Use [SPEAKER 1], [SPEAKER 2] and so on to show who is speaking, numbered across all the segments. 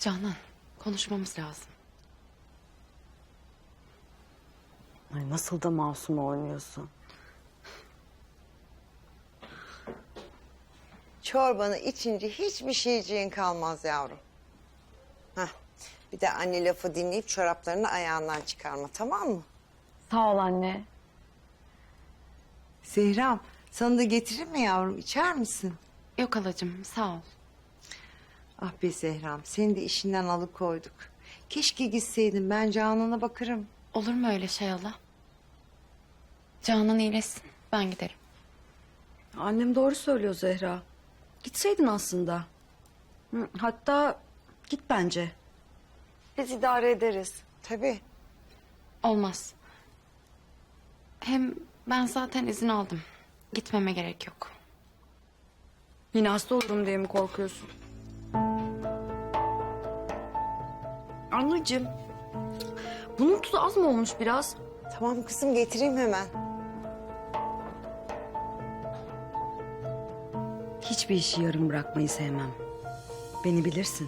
[SPEAKER 1] Canan, konuşmamız lazım.
[SPEAKER 2] Ay nasıl da masum oynuyorsun.
[SPEAKER 3] Çorbanı içince hiçbir şeyciğin kalmaz yavrum. Hah, bir de anne lafı dinleyip çoraplarını ayağından çıkarma, tamam mı?
[SPEAKER 2] Sağ ol anne.
[SPEAKER 3] Zehram, sana da getireyim mi yavrum, içer misin?
[SPEAKER 1] Yok halacığım, sağ ol.
[SPEAKER 3] Ah be Zehram, seni de işinden alıkoyduk. Keşke gitseydin, ben Canan'a bakarım.
[SPEAKER 1] Olur mu öyle şey hala? Canan iyileşsin, ben giderim.
[SPEAKER 2] Annem doğru söylüyor Zehra. Gitseydin aslında. Hatta git bence. Biz idare ederiz.
[SPEAKER 3] Tabii.
[SPEAKER 1] Olmaz. Hem ben zaten izin aldım. Gitmeme gerek yok.
[SPEAKER 2] Yine hasta olurum diye mi korkuyorsun? Anneciğim, bunun tuzu az mı olmuş biraz?
[SPEAKER 3] Tamam kızım, getireyim hemen.
[SPEAKER 2] Hiçbir işi yarım bırakmayı sevmem. Beni bilirsin.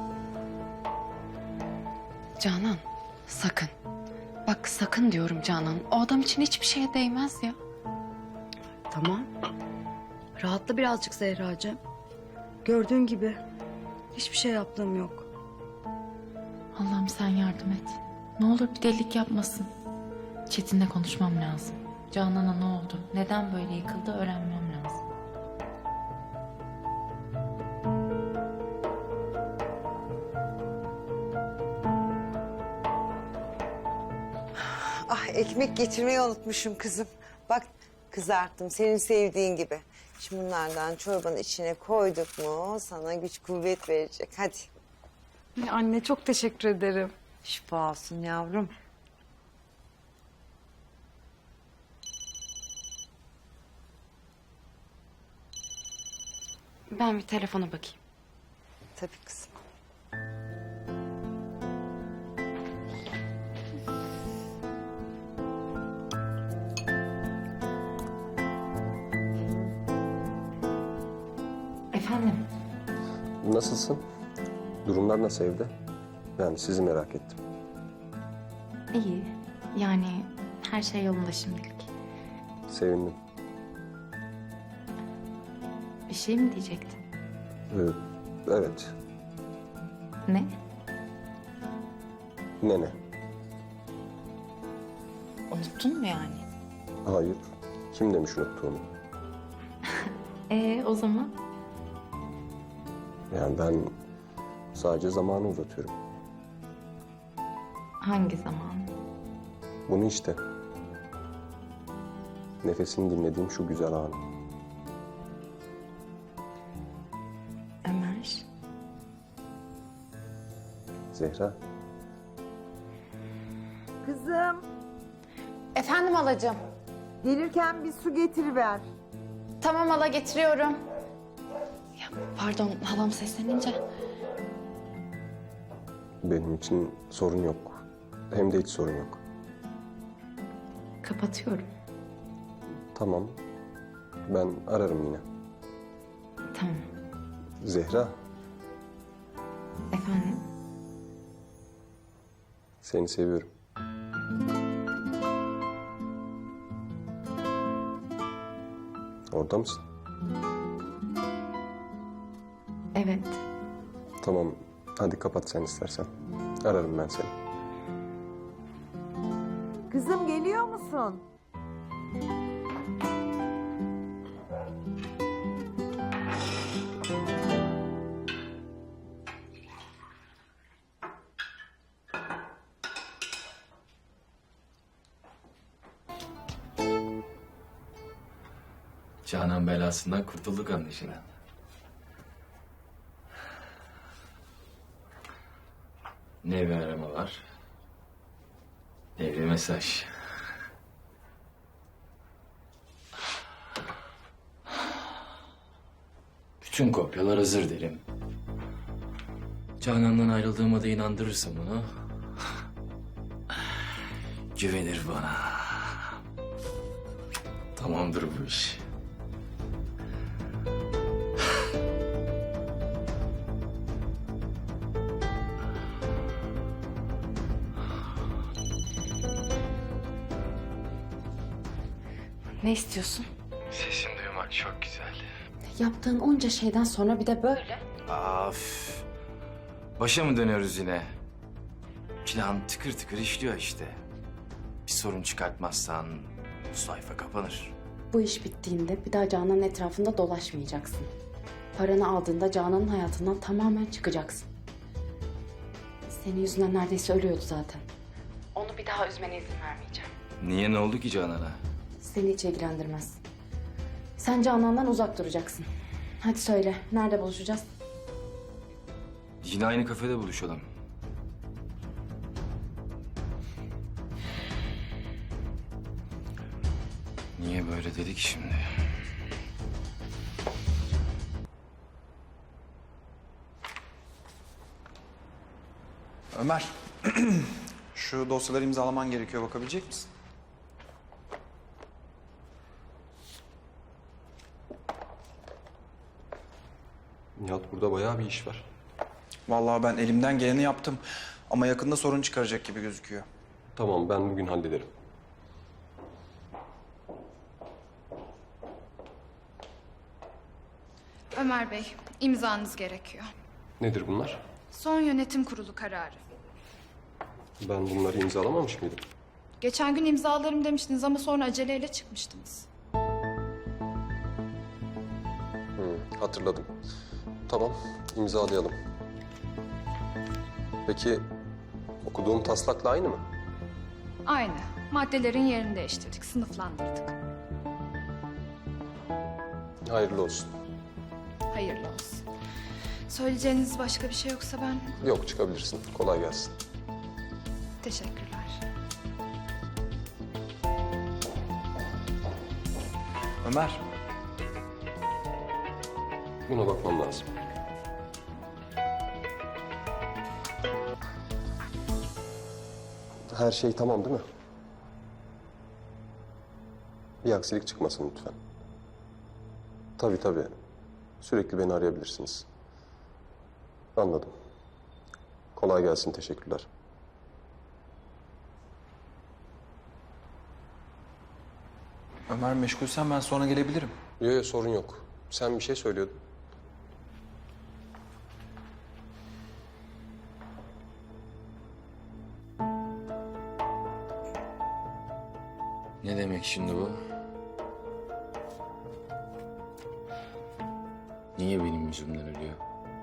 [SPEAKER 1] Canan, sakın. Bak sakın diyorum Canan. O adam için hiçbir şeye değmez ya.
[SPEAKER 2] Tamam. Rahatla birazcık Zehracığım. Gördüğün gibi hiçbir şey yaptığım yok.
[SPEAKER 4] Allah'ım sen yardım et. Ne olur bir delilik yapmasın. Çetin'le konuşmam lazım. Canan'a ne oldu? Neden böyle yıkıldı öğrenmem lazım.
[SPEAKER 3] Ah, ekmek getirmeyi unutmuşum kızım. Bak, kızarttım senin sevdiğin gibi. Şimdi bunlardan çorbanın içine koyduk mu sana güç kuvvet verecek. Hadi.
[SPEAKER 2] Anne çok teşekkür ederim.
[SPEAKER 3] Şifa olsun yavrum.
[SPEAKER 1] Ben bir telefona bakayım.
[SPEAKER 3] Tabii kızım.
[SPEAKER 4] Efendim?
[SPEAKER 5] Nasılsın? Durumlar nasıl evde? Yani sizi merak ettim.
[SPEAKER 4] İyi. Yani her şey yolunda şimdilik.
[SPEAKER 5] Sevindim.
[SPEAKER 4] Bir şey mi diyecektin?
[SPEAKER 5] Evet.
[SPEAKER 4] Ne?
[SPEAKER 5] Nene.
[SPEAKER 4] Unuttun mu yani?
[SPEAKER 5] Hayır. Kim demiş unuttuğunu?
[SPEAKER 4] O zaman?
[SPEAKER 5] Yani ben sadece zamanı uzatıyorum.
[SPEAKER 4] Hangi zaman?
[SPEAKER 5] Bunu işte. Nefesini dinlediğim şu güzel anı.
[SPEAKER 4] Ömer.
[SPEAKER 5] Zehra.
[SPEAKER 3] Kızım,
[SPEAKER 4] Efendim halacığım.
[SPEAKER 3] gelirken bir su getiriver.
[SPEAKER 4] Tamam hala getiriyorum.
[SPEAKER 1] Ya pardon, halam seslenince.
[SPEAKER 5] Benim için sorun yok. Hem de hiç sorun yok.
[SPEAKER 4] Kapatıyorum.
[SPEAKER 5] Tamam. Ben ararım yine.
[SPEAKER 4] Tamam.
[SPEAKER 5] Zehra,
[SPEAKER 4] Efendim?
[SPEAKER 5] seni seviyorum. Orada mısın?
[SPEAKER 4] Evet.
[SPEAKER 5] Tamam. Hadi kapat sen istersen. Ararım ben seni.
[SPEAKER 3] Kızım, geliyor musun?
[SPEAKER 6] Canan belasından kurtulduk anlaşılan. Ne bir arama var, ne bir mesaj. Bütün kopyalar hazır derim. Canan'dan ayrıldığıma da inandırırsam onu... güvenir bana. Tamamdır bu iş.
[SPEAKER 1] Ne istiyorsun?
[SPEAKER 6] Sesini duymak çok güzel.
[SPEAKER 1] Yaptığın onca şeyden sonra bir de böyle.
[SPEAKER 6] Af. Başa mı dönüyoruz yine? Plan tıkır tıkır işliyor işte. Bir sorun çıkartmazsan bu sayfa kapanır.
[SPEAKER 1] Bu iş bittiğinde bir daha Canan'ın etrafında dolaşmayacaksın. Paranı aldığında Canan'ın hayatından tamamen çıkacaksın. Senin yüzünden neredeyse ölüyordu zaten. Onu bir daha üzmene izin vermeyeceğim.
[SPEAKER 6] Niye, ne oldu ki Canan'a?
[SPEAKER 1] Seni hiç ilgilendirmez. Sen Canan'dan uzak duracaksın. Hadi söyle, nerede buluşacağız?
[SPEAKER 6] Yine aynı kafede buluşalım. Niye böyle dedik şimdi?
[SPEAKER 7] Ömer, şu dosyaları imzalaman gerekiyor. Bakabilecek misin?
[SPEAKER 5] Nihat, burada bayağı bir iş var.
[SPEAKER 7] Vallahi ben elimden geleni yaptım. Ama yakında sorun çıkaracak gibi gözüküyor.
[SPEAKER 5] Tamam, ben bugün hallederim.
[SPEAKER 8] Ömer Bey, imzanız gerekiyor.
[SPEAKER 5] Nedir bunlar?
[SPEAKER 8] Son yönetim kurulu kararı.
[SPEAKER 5] Ben bunları imzalamamış mıydım?
[SPEAKER 8] Geçen gün imzalarım demiştiniz ama sonra aceleyle çıkmıştınız.
[SPEAKER 5] Hatırladım. Tamam, imzalayalım. Peki okuduğum taslakla aynı mı?
[SPEAKER 8] Aynı. Maddelerin yerini değiştirdik, sınıflandırdık.
[SPEAKER 5] Hayırlı olsun.
[SPEAKER 8] Hayırlı olsun. Söyleyeceğiniz başka bir şey yoksa ben
[SPEAKER 5] Yok, çıkabilirsin. Kolay gelsin.
[SPEAKER 8] teşekkürler.
[SPEAKER 7] Ömer,
[SPEAKER 5] Buna bakmam lazım. Her şey tamam değil mi? Bir aksilik çıkmasın lütfen. Tabii tabii. Sürekli beni arayabilirsiniz. Anladım. Kolay gelsin, teşekkürler.
[SPEAKER 7] Ömer meşgulsen ben sonra gelebilirim.
[SPEAKER 5] Yok, sorun yok. Sen bir şey söylüyordun.
[SPEAKER 6] Ne demek şimdi bu? Niye benim yüzümden ölüyor?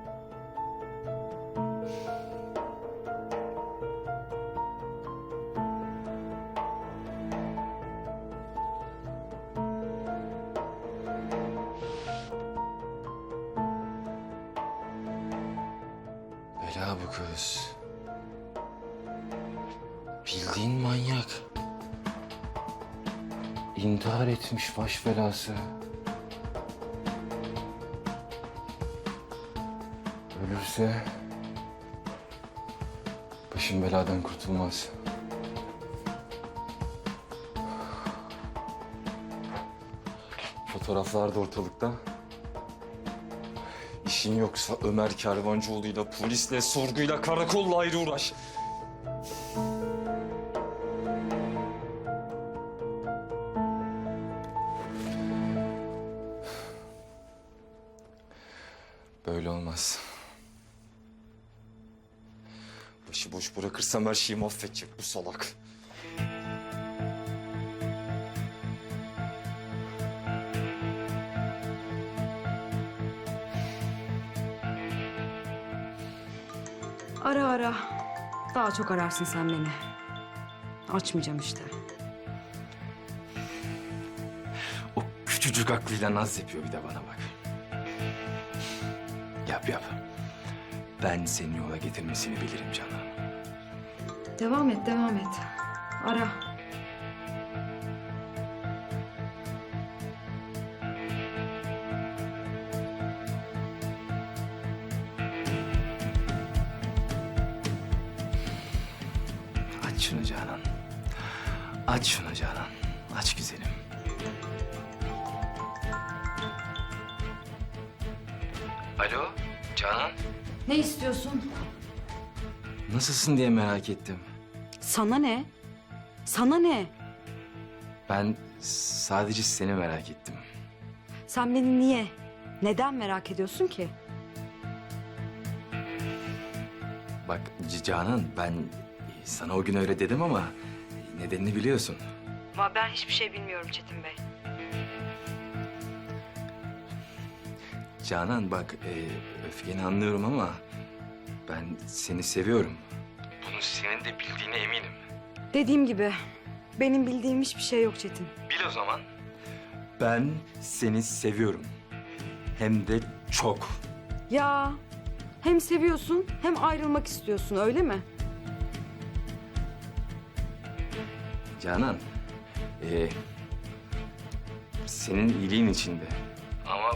[SPEAKER 6] Bela bu kız. Bildiğin manyak. İntihar etmiş baş belası. Ölürse başım beladan kurtulmaz. Fotoğraflar da ortalıkta. İşin yoksa Ömer Kervancıoğlu'yla, polisle, sorguyla, karakolla ayrı uğraş. Böyle olmaz. Başıboş bırakırsam her şeyi mahvedecek bu salak.
[SPEAKER 2] Ara ara. Daha çok ararsın sen beni. Açmayacağım işte.
[SPEAKER 6] O küçücük aklıyla naz yapıyor bir de bana bak. Yap yap. Ben seni yola getirmesini bilirim canım.
[SPEAKER 2] Devam et, devam et. Ara.
[SPEAKER 6] Aç şunu Canan. Aç şunu Canan. Aç güzelim. Alo Canan.
[SPEAKER 2] Ne istiyorsun?
[SPEAKER 6] Nasılsın diye merak ettim.
[SPEAKER 2] Sana ne? Sana ne?
[SPEAKER 6] Ben Sadece seni merak ettim.
[SPEAKER 2] Sen beni niye, neden merak ediyorsun ki?
[SPEAKER 6] Bak Canan, ben sana o gün öyle dedim ama nedenini biliyorsun.
[SPEAKER 2] Ama ben hiçbir şey bilmiyorum Çetin Bey.
[SPEAKER 6] Canan bak, öfkeni anlıyorum ama ben seni seviyorum. Bunu senin de bildiğine eminim.
[SPEAKER 2] Dediğim gibi benim bildiğim hiçbir şey yok Çetin.
[SPEAKER 6] Bil o zaman. Ben seni seviyorum. Hem de çok.
[SPEAKER 2] Ya hem seviyorsun hem ayrılmak istiyorsun öyle mi?
[SPEAKER 6] Canan, senin iyiliğin içinde. Ama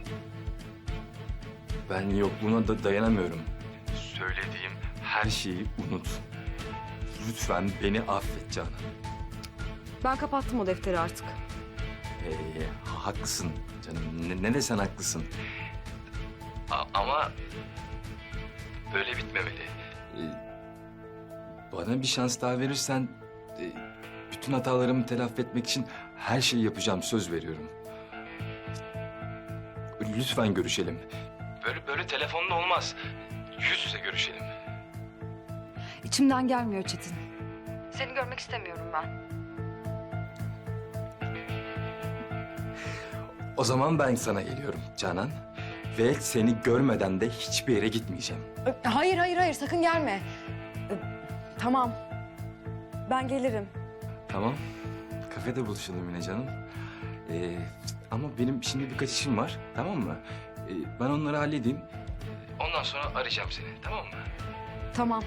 [SPEAKER 6] ben yokluğuna da dayanamıyorum. Söylediğim her şeyi unut. Lütfen beni affet Canan.
[SPEAKER 2] Ben kapattım o defteri artık.
[SPEAKER 6] Haklısın canım. Ne desen haklısın. Ama böyle bitmemeli. Bana bir şans daha verirsen bütün hatalarımı telafi etmek için her şeyi yapacağım, söz veriyorum. Lütfen görüşelim. Böyle telefonla olmaz. Yüz yüze görüşelim.
[SPEAKER 2] İçimden gelmiyor Çetin. Seni görmek istemiyorum ben.
[SPEAKER 6] O zaman ben sana geliyorum Canan. Ve seni görmeden de hiçbir yere gitmeyeceğim.
[SPEAKER 2] Hayır sakın gelme. Tamam. Ben gelirim.
[SPEAKER 6] Tamam. Kafede buluşalım yine canım. Ama benim şimdi birkaç işim var. Tamam mı? Ben onları halledeyim. Ondan sonra arayacağım seni. Tamam mı?
[SPEAKER 2] Tamam.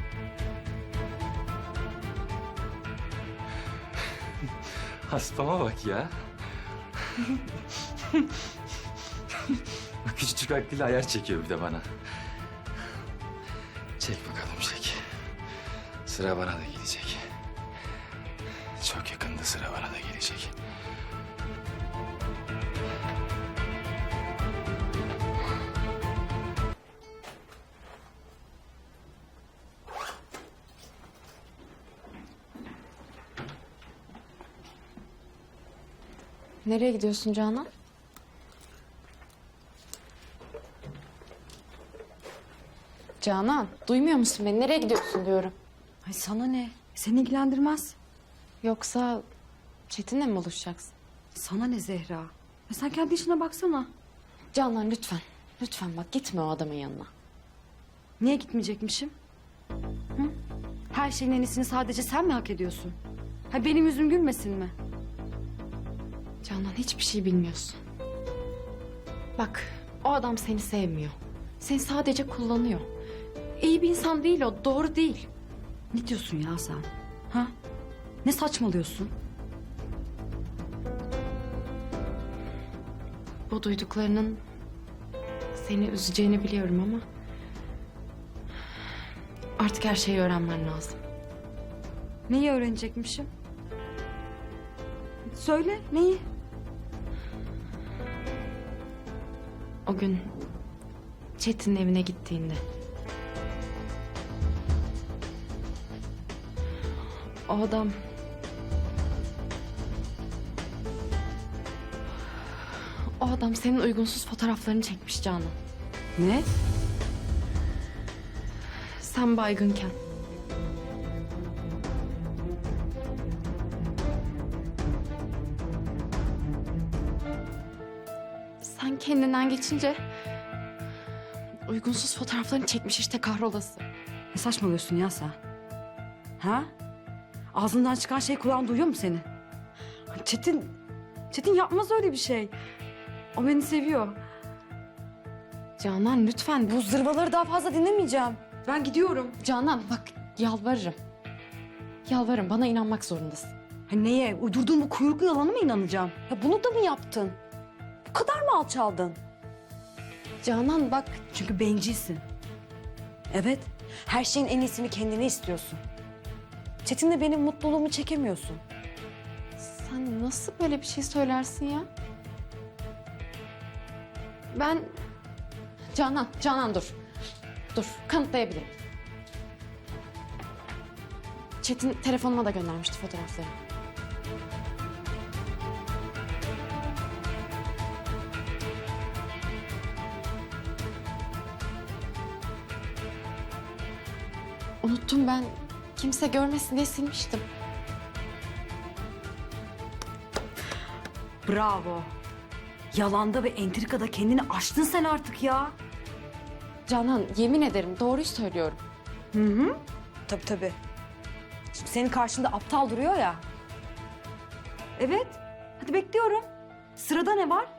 [SPEAKER 6] Haspama bak ya. Küçücük aklıyla ayar çekiyor bir de bana. Çek bakalım çek. Sıra bana da gelecek. Çok yakında sıra bana da gelecek.
[SPEAKER 1] Nereye gidiyorsun Canan? Canan, duymuyor musun beni? Nereye gidiyorsun diyorum.
[SPEAKER 2] Ay sana ne? Seni ilgilendirmez.
[SPEAKER 1] Yoksa Çetin'le mi buluşacaksın?
[SPEAKER 2] Sana ne Zehra? Ya sen kendi işine baksana.
[SPEAKER 1] Canan lütfen. Lütfen bak gitme o adamın yanına.
[SPEAKER 2] Niye gitmeyecekmişim? Hı? Her şeyin en iyisini sadece sen mi hak ediyorsun? Ha benim yüzüm gülmesin mi?
[SPEAKER 1] Canan hiçbir şey bilmiyorsun. Bak o adam seni sevmiyor. Seni sadece kullanıyor. İyi bir insan değil o, doğru değil.
[SPEAKER 2] Ne diyorsun ya sen? Ha? Ne saçmalıyorsun?
[SPEAKER 1] Bu duyduklarının seni üzeceğini biliyorum ama... artık her şeyi öğrenmen lazım.
[SPEAKER 2] Neyi öğrenecekmişim? Söyle neyi?
[SPEAKER 1] O gün Çetin'in evine gittiğinde... o adam... o adam senin uygunsuz fotoğraflarını çekmiş Canan.
[SPEAKER 2] Ne?
[SPEAKER 1] Sen baygınken. Sen kendinden geçince... uygunsuz fotoğraflarını çekmiş işte kahrolası.
[SPEAKER 2] Ne saçmalıyorsun ya sen? Ha? Ağzından çıkan şey kulağın duyuyor mu seni? Çetin yapmaz öyle bir şey. O beni seviyor.
[SPEAKER 1] Canan lütfen
[SPEAKER 2] Bu zırvaları daha fazla dinlemeyeceğim. Ben gidiyorum.
[SPEAKER 1] Canan bak yalvarırım. Yalvarırım bana inanmak zorundasın.
[SPEAKER 2] Ha neye? Uydurduğun bu kuyruklu yalana mı inanacağım? Ya bunu da mı yaptın? Bu kadar mı alçaldın?
[SPEAKER 1] Canan bak
[SPEAKER 2] Çünkü bencilsin. Evet, her şeyin en iyisini kendine istiyorsun. Çetin'le benim mutluluğumu çekemiyorsun.
[SPEAKER 1] sen nasıl böyle bir şey söylersin ya? Ben... Canan dur. Dur kanıtlayabilirim. Çetin telefonuma da göndermişti fotoğrafları. Unuttum ben. Kimse görmesin diye silmiştim.
[SPEAKER 2] Bravo. Yalanda ve entrikada kendini aştın sen artık ya.
[SPEAKER 1] Canan yemin ederim doğruyu söylüyorum.
[SPEAKER 2] Tabii tabii. Şimdi senin karşında aptal duruyor ya. Evet. Hadi bekliyorum. Sırada ne var?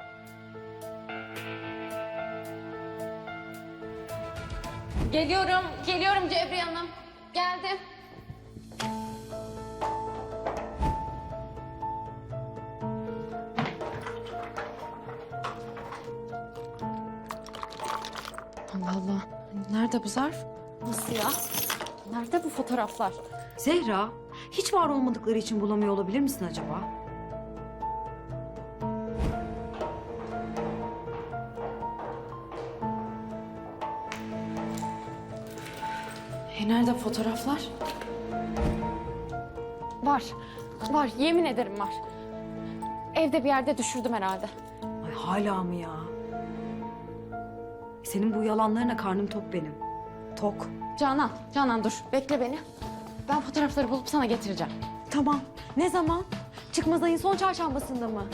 [SPEAKER 1] Geliyorum Cebriye Hanım. Geldim. Allah Allah. Nerede bu zarf? Nasıl ya? Nerede bu fotoğraflar?
[SPEAKER 2] Zehra, hiç var olmadıkları için bulamıyor olabilir misin acaba?
[SPEAKER 1] Nerede fotoğraflar? Var. Var. Yemin ederim var. Evde bir yerde düşürdüm herhalde.
[SPEAKER 2] Ay hala mı ya? Senin bu yalanlarına karnım tok benim. Tok.
[SPEAKER 1] Canan dur. Bekle beni. Ben fotoğrafları bulup sana getireceğim.
[SPEAKER 2] Tamam. Ne zaman?
[SPEAKER 1] Çıkmaz ayın son çarşambasında mı?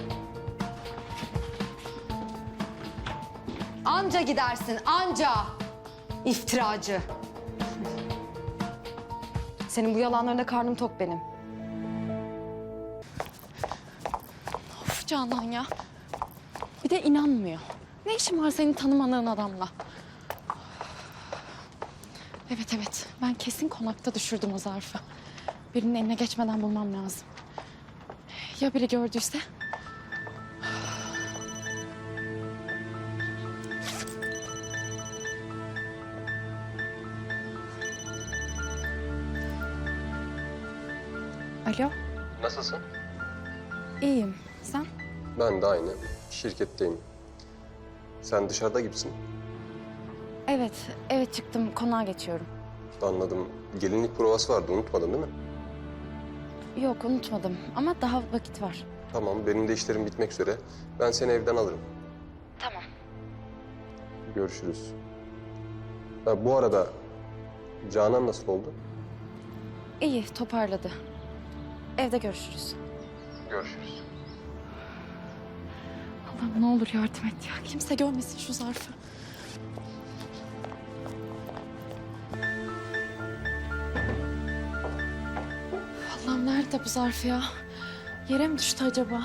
[SPEAKER 2] Anca gidersin, anca. İftiracı.
[SPEAKER 1] Senin bu yalanlarına karnım tok benim. Of Canan ya. Bir de inanmıyor. Ne işin var senin tanımadığın adamla? Evet. Ben kesin konakta düşürdüm o zarfı. Birinin eline geçmeden bulmam lazım. Ya biri gördüyse? Alo,
[SPEAKER 5] Nasılsın?
[SPEAKER 1] iyiyim. Sen?
[SPEAKER 5] Ben de aynı. Şirketteyim. Sen dışarıda gibisin.
[SPEAKER 1] Evet çıktım. Konağa geçiyorum.
[SPEAKER 5] Anladım. Gelinlik provası vardı, unutmadın değil mi?
[SPEAKER 1] Yok, unutmadım ama daha vakit var.
[SPEAKER 5] Tamam, benim de işlerim bitmek üzere. Ben seni evden alırım.
[SPEAKER 1] Tamam.
[SPEAKER 5] Görüşürüz. Ha, bu arada Canan nasıl oldu?
[SPEAKER 1] İyi, toparladı. Evde görüşürüz.
[SPEAKER 5] Görüşürüz.
[SPEAKER 1] Allah'ım ne olur yardım et ya. Kimse görmesin şu zarfı. Allah'ım nerede bu zarf ya? Yere mi düştü acaba?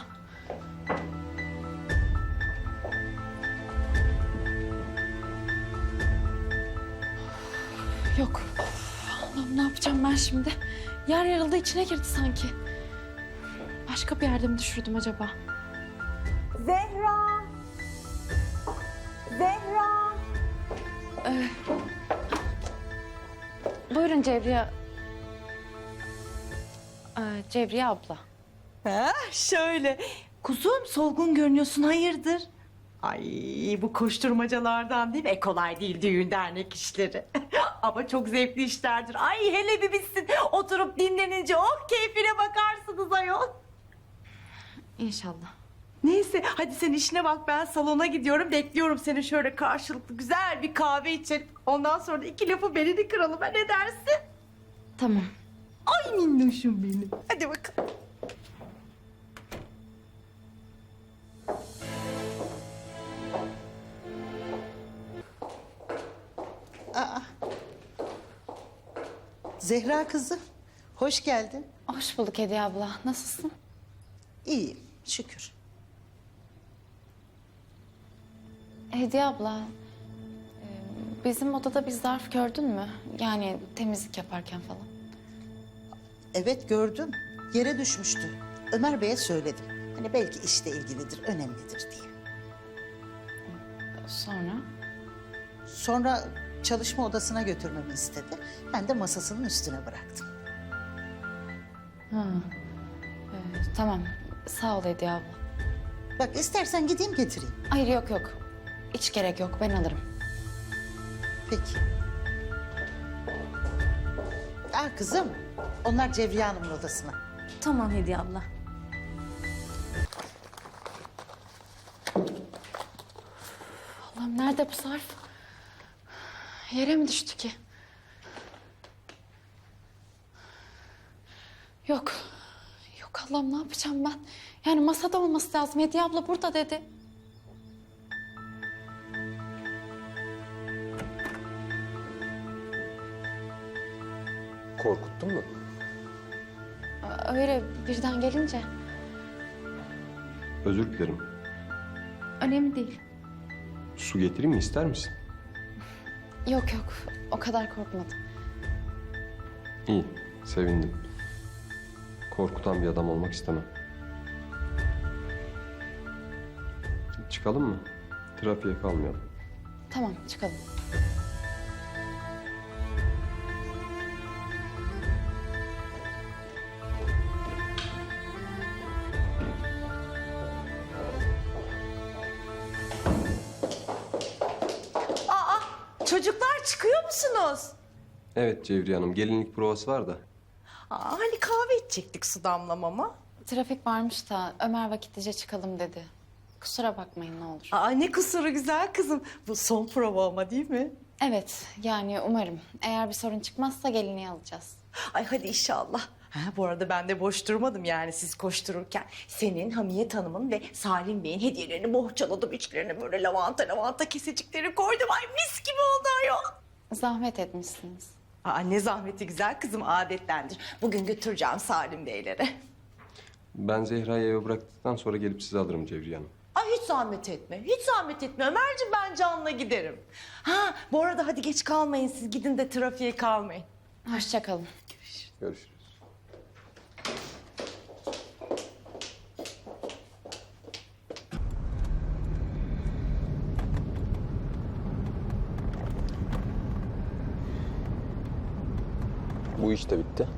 [SPEAKER 1] Yok. Allah'ım ne yapacağım ben şimdi? Yer yarıldı içine girdi sanki. Başka bir yerde mi düşürdüm acaba?
[SPEAKER 3] Zehra! Zehra!
[SPEAKER 1] Buyurun Cevriye. Cevriye abla.
[SPEAKER 9] Ha, şöyle. Kuzum solgun görünüyorsun hayırdır? Ay bu koşturmacalardan değil mi? Kolay değil düğün dernek işleri. Ama çok zevkli işlerdir. Ay hele bir bitsin. Oturup dinlenince oh keyfine bakarsınız ayol.
[SPEAKER 1] İnşallah.
[SPEAKER 9] Neyse hadi sen işine bak ben salona gidiyorum. Bekliyorum seni şöyle karşılıklı güzel bir kahve içelim. Ondan sonra da iki lafı belini kıralım. Ha ne dersin?
[SPEAKER 1] Tamam.
[SPEAKER 9] Ay minnoşum benim. Hadi bakalım.
[SPEAKER 10] Zehra kızı, hoş geldin.
[SPEAKER 1] Hoş bulduk Hediye abla. Nasılsın?
[SPEAKER 10] İyiyim, şükür.
[SPEAKER 1] Hediye abla, bizim odada bir zarf gördün mü? Yani temizlik yaparken falan.
[SPEAKER 10] Evet gördüm, yere düşmüştü. Ömer Bey'e söyledim. Hani belki işle ilgilidir, önemlidir diye.
[SPEAKER 1] Sonra?
[SPEAKER 10] Sonra çalışma odasına götürmemi istedi. Ben de masasının üstüne bıraktım.
[SPEAKER 1] Tamam. Sağ ol Hediye abla.
[SPEAKER 10] Bak istersen gideyim getireyim.
[SPEAKER 1] Hayır yok. Hiç gerek yok. Ben alırım.
[SPEAKER 10] Peki. Kızım, onlar Cevriye Hanım'ın odasına.
[SPEAKER 2] Tamam Hediye abla.
[SPEAKER 1] Allah'ım nerede bu zarf? Yere mi düştü ki?
[SPEAKER 4] Yok. Yok Allah'ım, ne yapacağım ben? Yani masada olması lazım. Hediye abla burada dedi.
[SPEAKER 5] Korkuttun mu?
[SPEAKER 4] Öyle birden gelince.
[SPEAKER 5] Özür dilerim.
[SPEAKER 4] Önemli değil.
[SPEAKER 5] Su getireyim mi, ister misin?
[SPEAKER 4] Yok yok, o kadar korkmadım.
[SPEAKER 5] İyi, sevindim. Korkutan bir adam olmak istemem. Çıkalım mı? Trafiğe kalmayalım.
[SPEAKER 4] Tamam, çıkalım.
[SPEAKER 9] Çocuklar çıkıyor musunuz?
[SPEAKER 5] Evet Cevriye Hanım, gelinlik provası var da.
[SPEAKER 9] Hani kahve içecektik su damlamama.
[SPEAKER 4] Trafik varmış da Ömer vakitlice çıkalım dedi. Kusura bakmayın ne olur.
[SPEAKER 9] Ne kusuru güzel kızım. Bu son prova ama değil mi?
[SPEAKER 4] Evet, yani umarım. Eğer bir sorun çıkmazsa gelinliği alacağız.
[SPEAKER 9] Ay hadi inşallah. Bu arada ben de boş durmadım yani siz koştururken. Senin, Hamiyet Hanım'ın ve Salim Bey'in hediyelerini bohçaladım. İçlerine böyle lavanta kesecikleri koydum. Ay mis gibi oldu ayol.
[SPEAKER 4] Zahmet etmişsiniz.
[SPEAKER 9] Ne zahmeti güzel kızım, adetlendir. Bugün götüreceğim Salim Beylere.
[SPEAKER 5] Ben Zehra'yı eve bıraktıktan sonra gelip sizi alırım Cevriye Hanım.
[SPEAKER 9] Hiç zahmet etme. Hiç zahmet etme. Ömerciğim ben Can'la giderim. Bu arada hadi geç kalmayın. Siz gidin de trafiğe kalmayın.
[SPEAKER 4] Hoşça kalın.
[SPEAKER 5] Görüşürüz. Bu iş de bitti.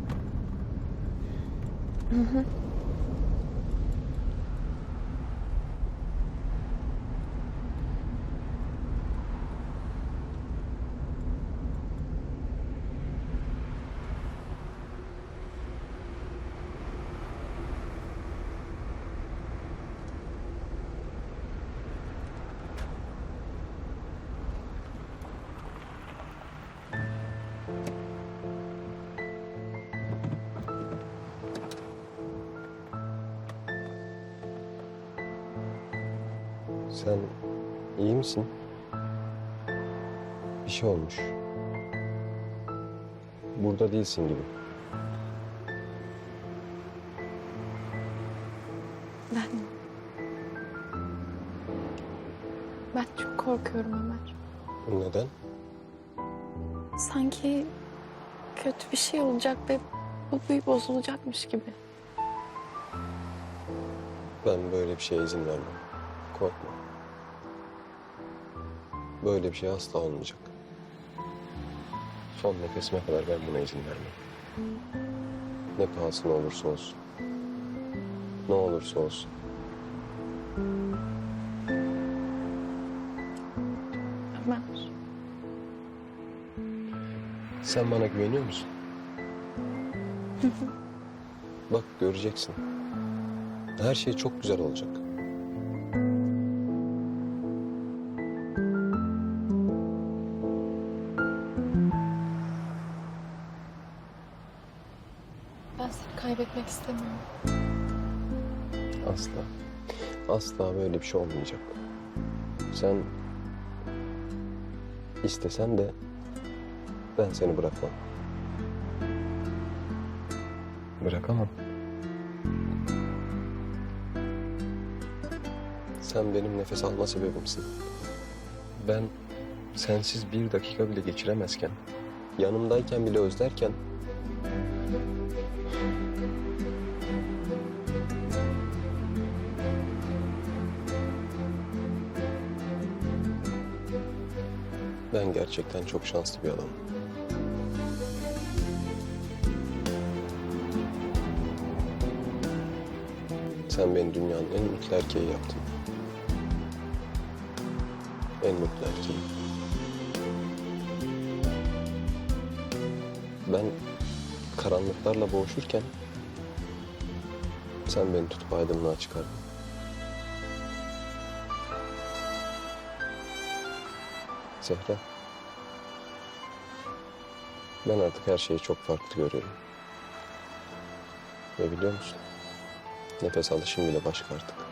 [SPEAKER 5] Sen iyi misin? Bir şey olmuş. Burada değilsin gibi.
[SPEAKER 4] Ben çok korkuyorum Ömer.
[SPEAKER 5] Neden?
[SPEAKER 4] Sanki kötü bir şey olacak ve bu büyü bozulacakmış gibi.
[SPEAKER 5] Ben böyle bir şeye izin vermem. Korkma. Böyle bir şey asla olmayacak. Son nefesime kadar ben buna izin vermem. Ne pahasına olursa olsun. Ne olursa olsun.
[SPEAKER 4] Ömer.
[SPEAKER 5] Sen bana güveniyor musun? Bak göreceksin. Her şey çok güzel olacak.
[SPEAKER 4] Ben seni kaybetmek istemiyorum.
[SPEAKER 5] Asla. Asla böyle bir şey olmayacak. Sen istesen de ben seni bırakmam. Bırakamam. Sen benim nefes alma sebebimsin. Ben sensiz bir dakika bile geçiremezken, yanımdayken bile özlerken ben gerçekten çok şanslı bir adamım. Sen beni dünyanın en mutlu erkeği yaptın. En mutlu erkeği. Ben karanlıklarla boğuşurken sen beni tutup aydınlığa çıkardın. Zehra. Ben artık her şeyi çok farklı görüyorum. Ve biliyor musun? Nefes alışım bile başka artık.